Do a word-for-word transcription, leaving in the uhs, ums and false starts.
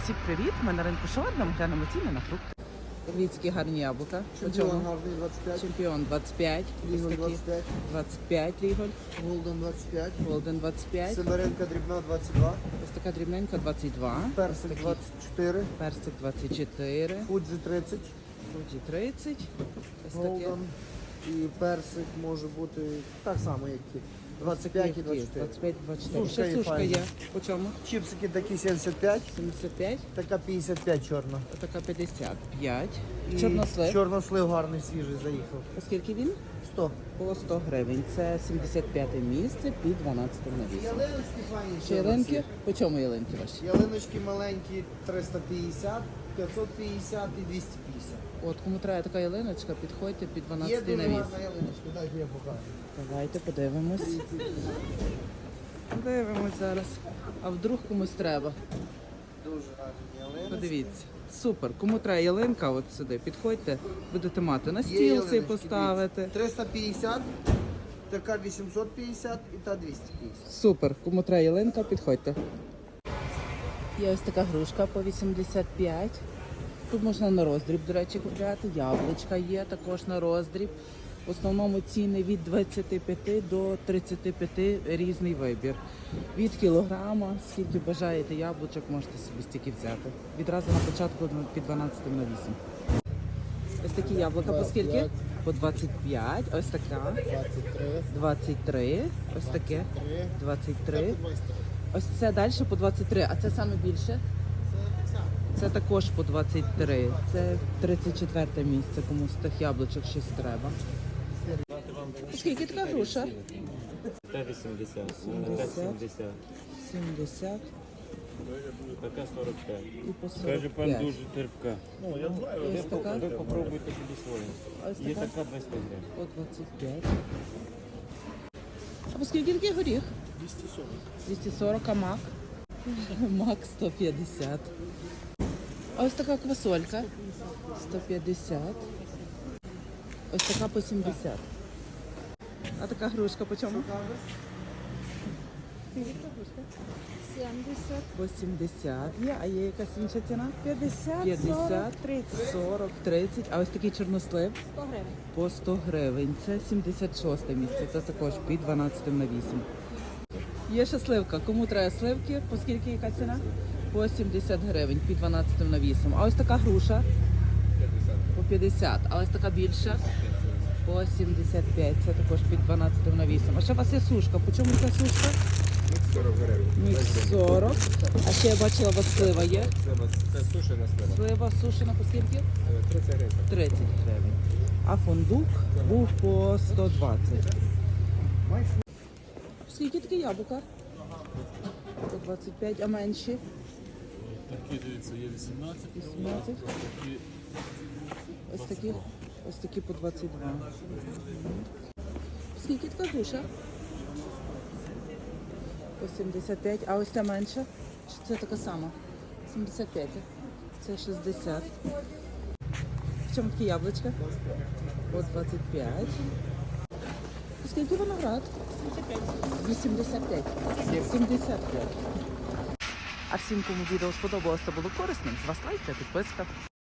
Всім привіт! Ми на ринку Шаурма, глянемо ціни на фрукти. Дивіться, які гарні яблука. Чемпіон гарний двадцять п'ять. Чемпіон двадцять п'ять. Ліголь Ось такі двадцять п'ять. двадцять п'ять Ліголь. Голден двадцять п'ять. Голден двадцять п'ять. Сидоренка дрібна двадцять два. Ось така дрібненька двадцять два. Персик Ось такі двадцять чотири. персик двадцять чотири. Фуджі тридцять. Фуджі тридцять. Ось таке. Голден. І персик може бути так само, як ті. двадцять п'ять і двадцять чотири. двадцять п'ять двадцять чотири. Сушка Ще є сушка файна. є. По чому? Чіпсики такі сімдесят п'ять. сімдесят п'ять. Така п'ятдесят п'ять чорна. Така п'ятдесят п'ять. І Чорнослив. Чорнослив гарний, свіжий, заїхав. Оскільки він? сто. По сто гривень. Це сімдесят п'яте місце під дванадцятим навісом. Ялиночки файні. Ще ялинки? По чому ялинки ваші? Ялиночки маленькі триста п'ятдесят, п'ятсот п'ятдесят і двісті п'ятдесят. От кому треба така ялиночка, підходьте під Є дванадцятий дуже навіс. гарна ялиночка, дайте я покажу. Давайте подивимось. Дивимось зараз. А вдруг комусь треба? Дуже гарні ялиночки. Подивіться. Супер. Кому треба ялинка, от сюди підходьте, будете мати на Є стіл цей ялиночки, поставити. дивіться. триста п'ятдесят, така вісімсот п'ятдесят і та двісті п'ятдесят. Супер. Кому треба ялинка, підходьте. Є ось така грушка по вісімдесят п'ять. Тут можна на роздріб, до речі, купляти. Яблучка є також на роздріб. В основному ціни від двадцяти п'яти до тридцяти п'яти різний вибір. Від кілограма, скільки бажаєте яблучок, можете собі стільки взяти. Відразу на початку під дванадцятим навісом. Ось такі яблука по скільки? По двадцять п'ять. Ось така. двадцять три. двадцять три. Ось таке. двадцять три. Ось це далі по двадцять три. А це саме більше? Це також по двадцять три. Це тридцять четверте місце, комусь з тих яблучок щось треба. Скільки така груша? Та вісімдесят, вісімдесят. така сімдесят, сімдесят така сорок п'ять. і по Каже, сорок пан п'ять. дуже терпка. Ось така Ви попробуйте собі своє. Ось Є така? така двадцять гривень. по двадцять п'ять. А по скільки такий горіх? двісті сорок. двісті сорок, а мак? Мак сто п'ятдесят. А ось така квасолька? сто п'ятдесят. Ось така по сімдесят. А така грушка по чому? сімдесят, По сімдесят є, а є якась інша ціна? п'ятдесят, п'ятдесят, сорок, тридцять. сорок, тридцять. А ось такий чорнослив сто гривень. по сто гривень. Це сімдесят шосте місце. Це також під дванадцятим навісом. Є ще сливка. Кому треба сливки? По скільки яка ціна? По сімдесят гривень під дванадцятим навісом. А ось така груша? По п'ятдесят. А ось така більша? По сімдесят п'ять. Це також під дванадцятим навісом. А ще у вас є сушка. По чому ця сушка? сорок гривень. Мікс сорок. А ще я бачила, у вас слива є. Це сушена слива. Слива сушена по скільки? тридцять гривень. тридцять гривень. А фундук був по сто двадцять. Скільки такі яблука? По двадцять п'ять, а менші? Такі, дивіться, є вісімнадцять, вісімнадцять. такі Ось такі, ось такі по двадцять два. Скільки така груша? По сімдесят п'ять, а ось ця менша? Чи це така сама? сімдесят п'ять. Це шістдесят. В чому такі яблучка? По двадцять п'ять. Скільки виноград? вісімдесят п'ять. сімдесят п'ять. А всім, кому відео сподобалося, було корисним, з вас лайк та підписка.